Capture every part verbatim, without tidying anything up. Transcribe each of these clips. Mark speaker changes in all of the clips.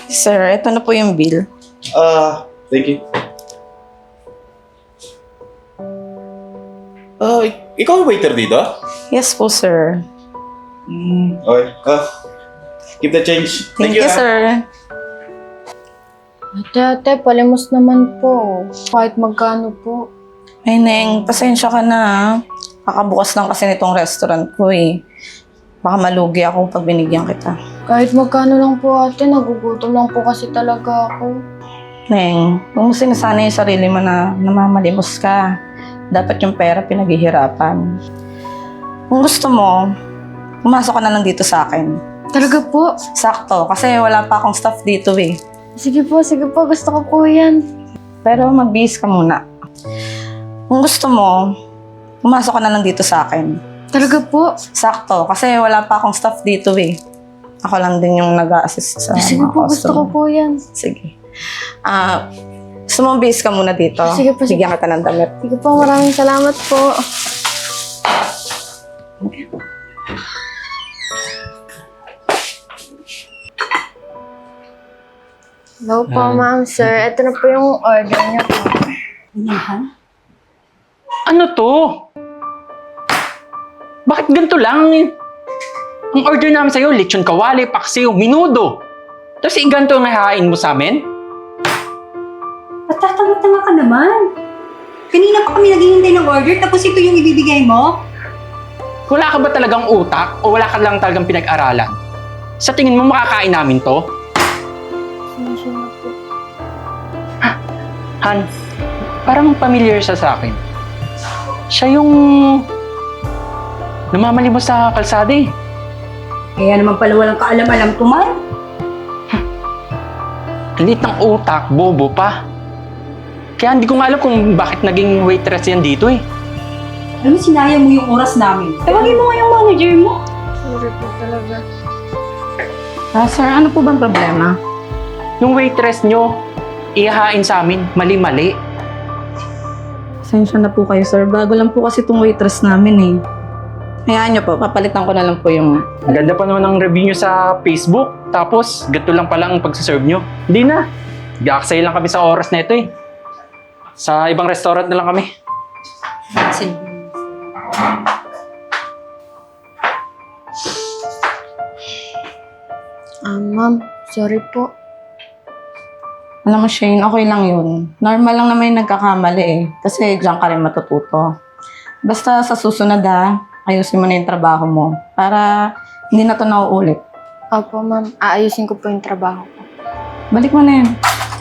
Speaker 1: Sir, ito na po yung bill.
Speaker 2: Ah, thank you. Ah, ik- ikaw ang waiter dito?
Speaker 1: Yes po, sir.
Speaker 2: Hmm, okay. Ah, keep the change.
Speaker 1: Thank, you,
Speaker 2: ah.
Speaker 1: sir.
Speaker 3: Ate, ate, palimos naman po. Kahit magkano po.
Speaker 1: Ay, Neng, pasensya ka na ha. Kakabukas lang kasi nitong restaurant ko eh. Baka malugi ako pag binigyan kita.
Speaker 3: Kahit magkano lang po ate, nagugutom lang po kasi talaga ako.
Speaker 1: Neng, huwag mo sinasanay yung sarili mo na namamalimos ka. Dapat yung pera pinaghihirapan. Kung gusto mo, pumasok ka na lang dito sa akin.
Speaker 3: Talaga po?
Speaker 1: Sakto, kasi wala pa akong staff dito eh.
Speaker 3: Sige po, sige po. Gusto ko po yan.
Speaker 1: Pero magbihis ka muna. Kung gusto mo, pumasok ka na lang dito sa akin.
Speaker 3: Talaga po?
Speaker 1: Sakto, kasi wala pa akong staff dito eh. Ako lang din yung nag-a-assist sa
Speaker 3: Sige
Speaker 1: mga
Speaker 3: po, gusto ko
Speaker 1: customer.
Speaker 3: po yan.
Speaker 1: Sige. Ah, gusto mo bihis ka muna dito?
Speaker 3: Sige po, sige.
Speaker 1: Bigyan kita ng damit.
Speaker 3: Sige po, maraming salamat po. Hello po, ma'am, sir. Ito na po yung order niyo po.
Speaker 4: Ano to? Bakit ganito lang? Ang order namin sa'yo, lechon kawali, paksiw, minudo. Tapos eh, ganito ang hahain mo sa amin?
Speaker 5: Patatawa-tawa ka naman. Kanina pa kami naghihintay ng order tapos ito yung ibibigay mo?
Speaker 4: Wala ka ba talagang utak o wala ka lang talagang pinag-aralan? Sa tingin mo makakain namin to?
Speaker 3: Pasensya na po.
Speaker 4: Han, parang familiar siya sa akin. Siya yung namamali mo sa kalsada eh.
Speaker 5: Kaya naman pala walang kaalam-alam tuman.
Speaker 4: Liit ng utak, bobo pa. Kaya hindi ko nga alam kung bakit naging waitress yan dito eh.
Speaker 5: Alam mo, sinayang mo yung oras namin. Tawagin mo nga yung manager mo.
Speaker 3: Sorry po talaga.
Speaker 1: Ah, sir, ano po bang problema?
Speaker 4: Yung waitress nyo, ihahain sa amin, mali-mali.
Speaker 1: Pasensya na po kayo, sir. Bago lang po kasi itong waitress namin eh. Hayaan niyo po, papalitan ko na lang po yung...
Speaker 4: Ang ganda pa naman ng review nyo sa Facebook. Tapos, ganito lang pala ang pagsaserve nyo. Hindi na. Gaaksay lang kami sa oras na ito eh. Sa ibang restaurant na lang kami.
Speaker 3: Ah, ma'am, sorry po.
Speaker 1: Alam mo, Shane, okay lang yun. Normal lang naman yung nagkakamali eh. Kasi diyan ka rin matututo. Basta sa susunod ha, ayusin mo na yung trabaho mo. Para hindi na to nauulit.
Speaker 3: Opo, ma'am. Aayusin ko po yung trabaho ko.
Speaker 1: Balik mo na yun.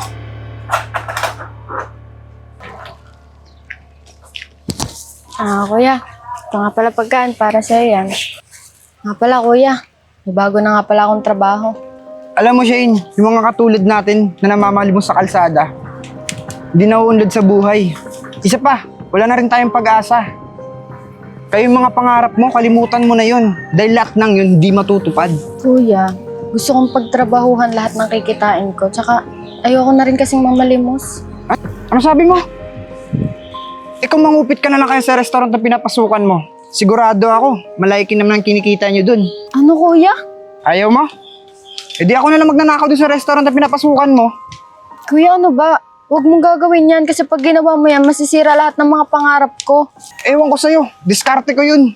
Speaker 3: Ah, kuya. Ito nga pala pagkaan para sa'yo yan. Nga pala, kuya. May bago na nga pala akong trabaho.
Speaker 6: Alam mo, Shane, yung mga katulad natin na namamalimos sa kalsada, hindi nauunlad sa buhay. Isa pa, wala na rin tayong pag-asa. Kaya yung mga pangarap mo, kalimutan mo na yun. Dahil lahat ng yun, hindi matutupad.
Speaker 3: Kuya, gusto kong pagtrabahuhan lahat ng kikitain ko. Tsaka, ayoko na rin kasing mamalimos.
Speaker 6: Ano sabi mo? Ikaw mangupit ka na lang kaya sa restaurant na pinapasukan mo. Sigurado ako, malaking naman ang kinikita nyo dun.
Speaker 3: Ano, kuya?
Speaker 6: Ayaw mo? E di ako na lang magnanakaw dun sa restaurant na pinapasukan mo.
Speaker 3: Kuya, ano ba? Huwag mong gagawin yan kasi pag ginawa mo yan, masisira lahat ng mga pangarap ko.
Speaker 6: Ewan ko sa'yo, diskarte ko yun.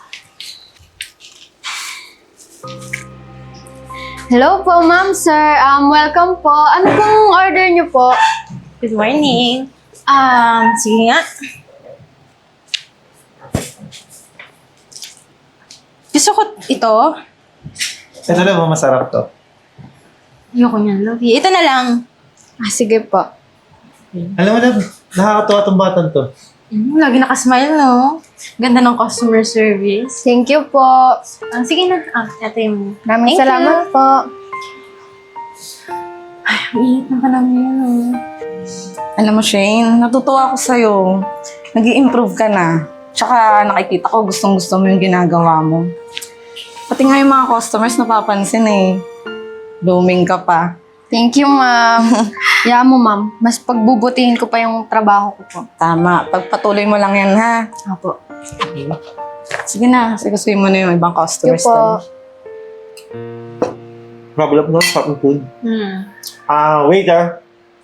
Speaker 3: Hello po, ma'am, sir. Um, welcome po. Ano pong order niyo po?
Speaker 5: Good morning. Um, sige nga. Gusto ko ito.
Speaker 2: Ito na ba masarap to?
Speaker 5: Ayoko niyan, Lovey. Ito na lang.
Speaker 3: Ah, sige po.
Speaker 2: Alam mo na, nakakatuwa tong batang to.
Speaker 5: Mm, lagi nakasmile, no? Ganda ng customer service.
Speaker 3: Thank you po.
Speaker 5: Ah, sige na. Ah, ito yung...
Speaker 3: Maraming
Speaker 5: Thank
Speaker 3: salamat
Speaker 5: you.
Speaker 3: po.
Speaker 5: Ang init na panahon yun, no?
Speaker 1: Alam mo, Shane, natutuwa ako sa'yo. nag improve ka na. Tsaka nakikita ko gustong-gusto mo yung ginagawa mo. Pati nga yung mga customers napapansin eh. Blooming ka pa.
Speaker 3: Thank you, ma'am. Kaya mo, ma'am. Mas pagbubutihin ko pa yung trabaho ko po.
Speaker 1: Tama. Pagpatuloy mo lang yan, ha?
Speaker 3: Opo.
Speaker 1: Sige na. Sigasuin mo na yung ibang
Speaker 3: Thank you
Speaker 1: customers
Speaker 3: po.
Speaker 1: doon.
Speaker 2: Problem no? Sarap ng food.
Speaker 3: Hmm.
Speaker 2: Ah, waiter.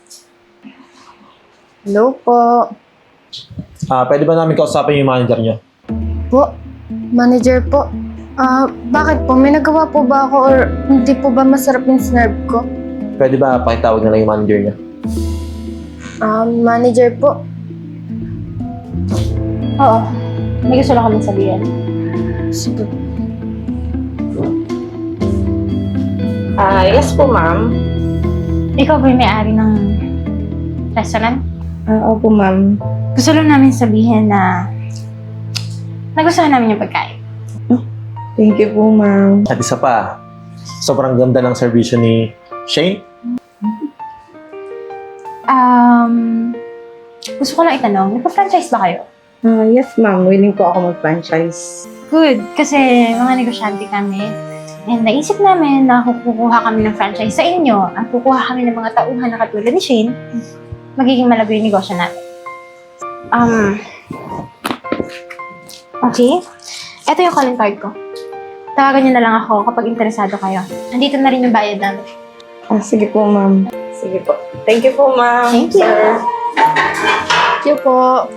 Speaker 3: Hello po.
Speaker 7: Ah, pwede ba namin kausapin yung manager niyo?
Speaker 3: Po, manager po. Ah, bakit po? May nagawa po ba ako or hindi po ba masarap yung snarb ko?
Speaker 7: Pwede ba pakitawag na lang yung manager niyo?
Speaker 3: Ah, manager po.
Speaker 8: Oo. May gusto lang kami sabihin.
Speaker 3: Sige.
Speaker 1: Ah, yes po, ma'am.
Speaker 8: Ikaw ba yung may-ari ng restaurant?
Speaker 1: Ah, opo, ma'am.
Speaker 8: Gusto lang namin sabihin na nagustuhan namin yung pagkain.
Speaker 1: Thank you po, ma'am.
Speaker 7: At isa pa, sobrang ganda ng servisyo ni Shane.
Speaker 8: Um, gusto ko lang itanong, nagpa-franchise ba kayo?
Speaker 1: Ah, yes, ma'am. Willing po ako mag-franchise.
Speaker 8: Good, kasi mga negosyante kami. And naisip namin na kung kukuha kami ng franchise sa inyo at kukuha kami ng mga tauhan na katulad ni Shane, magiging malago yung negosyo natin. Um, okay. Ito yung calling card ko. Tawagan niyo na lang ako kapag interesado kayo. Nandito na rin yung bayad namin.
Speaker 1: Ah, sige po, ma'am. Sige po. Thank you po, ma'am.
Speaker 8: Thank you.
Speaker 1: Sir.
Speaker 3: Thank you po.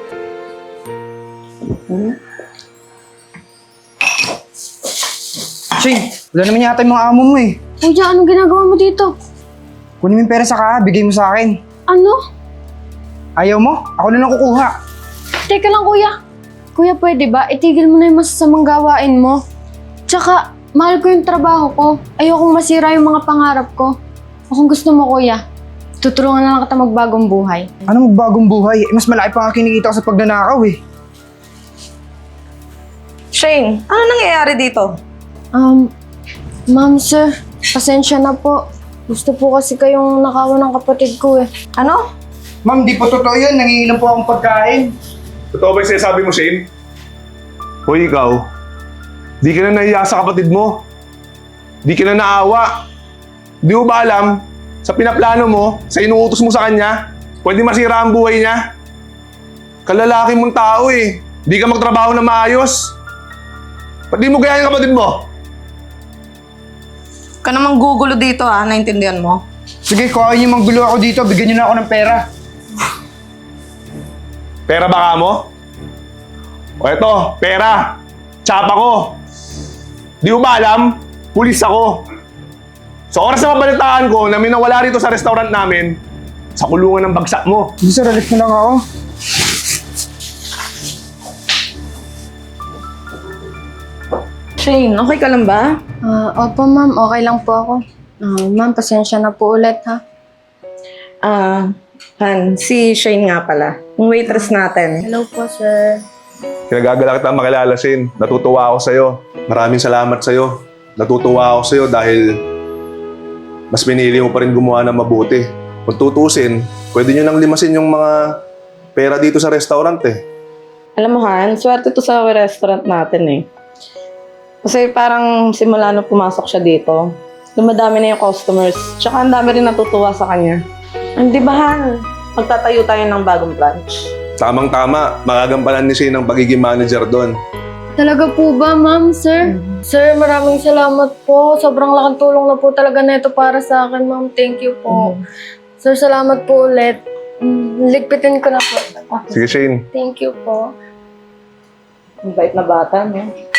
Speaker 6: Shane, wala naman yata yung mga amo mo eh.
Speaker 3: Kuya, anong ginagawa mo dito?
Speaker 6: Kunin mo yung pera sa ka, bigay mo sa akin.
Speaker 3: Ano?
Speaker 6: Ayaw mo? Ako na lang kukuha.
Speaker 3: Teka lang, kuya. Kuya, pwede ba? Itigil mo na yung masasamang gawain mo. Tsaka, mahal ko yung trabaho ko. Ayokong masira yung mga pangarap ko. O kung gusto mo, kuya, tutulungan na lang kita magbagong buhay.
Speaker 6: Ano magbagong buhay? Eh, mas malaki pa nga kinikita ko sa pagnanakaw eh.
Speaker 1: Shane, ano nangyayari dito?
Speaker 3: Um, ma'am, sir, pasensya na po. Gusto po kasi kayong nakawan ng kapatid ko eh.
Speaker 1: Ano?
Speaker 6: Ma'am, di po totoo yun. Nangihilang po akong pagkain.
Speaker 2: Totoo ba yung sinasabi mo, Shane? Hoy, ikaw. Di ka na nahiya sa kapatid mo. Di ka na naawa. Di mo ba alam, sa pinaplano mo, sa inuutos mo sa kanya, pwede masira ang buhay niya? Kalalaki mong tao eh. Di ka magtrabaho na maayos. Ba't di mo gaya yung kapatid mo?
Speaker 1: Ka namang gugulo dito, ha? Naintindihan mo?
Speaker 6: Sige, kung ayaw niyo manggulo ako dito, bigyan niyo na ako ng pera.
Speaker 2: Pera ba ka mo? O eto, pera. Tsapa ko. Di mo ba alam? Pulis ako. Sa oras na mabalitaan ko na may nawala rito sa restaurant namin, sa kulungan ng bagsak mo.
Speaker 6: Sige sir, alis na lang ako.
Speaker 1: Shane, okay ka lang ba?
Speaker 3: Ah, opo, ma'am. Okay lang po ako. Ah, ma'am, pasensya na po ulit, ha?
Speaker 1: Ah, Han, si Shane nga pala. Yung waitress natin.
Speaker 3: Hello po, sir.
Speaker 2: Kinagagala kita makilala, Shane. Natutuwa ako sa'yo. Maraming salamat sa'yo. Natutuwa ako sa'yo dahil mas pinili mo pa rin gumawa ng mabuti. Kung tutusin, pwede nyo nang limasin yung mga pera dito sa restaurant eh.
Speaker 1: Alam mo, Han, swerte to sa restaurant natin eh. Kasi parang simula nung pumasok siya dito, dumadami na yung customers. Tsaka ang dami rin natutuwa sa kanya. Hindi ba, Han? Magtatayo tayo ng bagong branch.
Speaker 2: Tamang-tama, magagampanan ni Shane ang pagiging manager doon.
Speaker 3: Talaga po ba, ma'am, sir? Sir, maraming salamat po. Sobrang laking tulong na po talaga na ito para sa akin, ma'am. Thank you po. Sir, salamat po ulit. Mm, Ligpitin ko na po.
Speaker 2: Sige, Shane.
Speaker 3: Thank you po.
Speaker 1: Ang bait na bata, no?